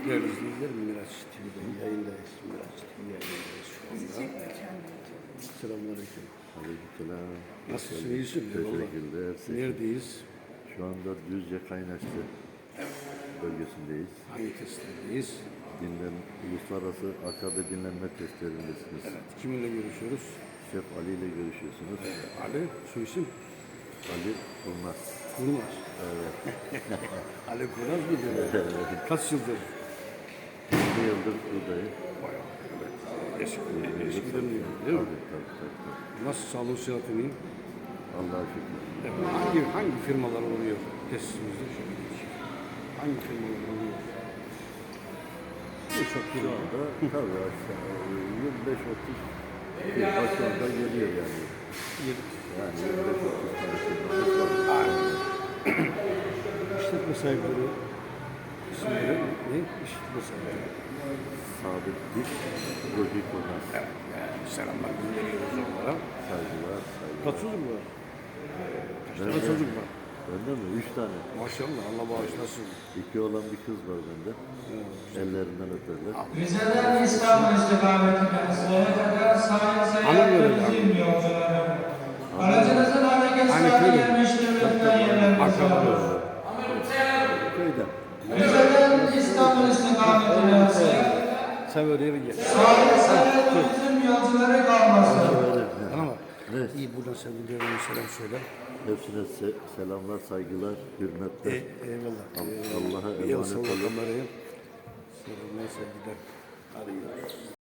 Değerli izleyiciler, Miraç TV'de yayındayız. Miraç TV yayındayız şu anda. Selamünaleyküm. Aleykümselam. Nasılsın, iyisin? Teşekkürler. Neredeyiz? Şu anda Düzce Kaynaşlı bölgesindeyiz. Hangi testlerdeyiz? Uluslararası Akabe dinlenme testlerindesiniz. Evet, kiminle görüşüyoruz? Şef Ali ile görüşüyorsunuz. Ali, su isim? Ali Kurnaz. Kurnaz. Evet. Ali Kurnaz mı diyor? Kaç yıldır? 20 yıldır buradayım. Bayağı, evet. Eskiden değil mi? Tabii. Nasıl sağlığı sıhhatin iyi? Allah'a şükür. Evet. Hangi firmalar oluyor testimizde? Hangi firmalar oluyor? Birçok Şu firma. anda tabii aşağı 25-30 firma şu anda geliyor yani. Yani 25-30 tane firmamız var. İşletme sahipleri isimleri ne? İşletme sahipleri. Sadık Dik, Rogi Kurnaz. Evet, yani selamlar gönderiyoruz onlara. Saygılar. Kaç çocuk var? Kaç tane Bende- çocuk var? Bende mi? 3 tane. Maşallah, Allah bağışlasın. 2 olan bir kız var bende. Ellerinden öperler. Rize'den İstanbul istikametine Sıraya kadar sahil seyahat yolcuları. Aracınızın hareket saati 25'te lütfen yerlerinizi alın. Köyden. Rize'den İstanbul istikametine seyahat Sever yeri gel. sahil seyahat turizm yolcuları kalmasın. Bana bak. Evet. İyi, buradan sevgilerine selam söyle. Hepsine selamlar, saygılar, hürmetler. Eyvallah. Allah'a Bir el emanet salla olun. kameraya. Selamlar, sevgiler. Hadi görüşürüz.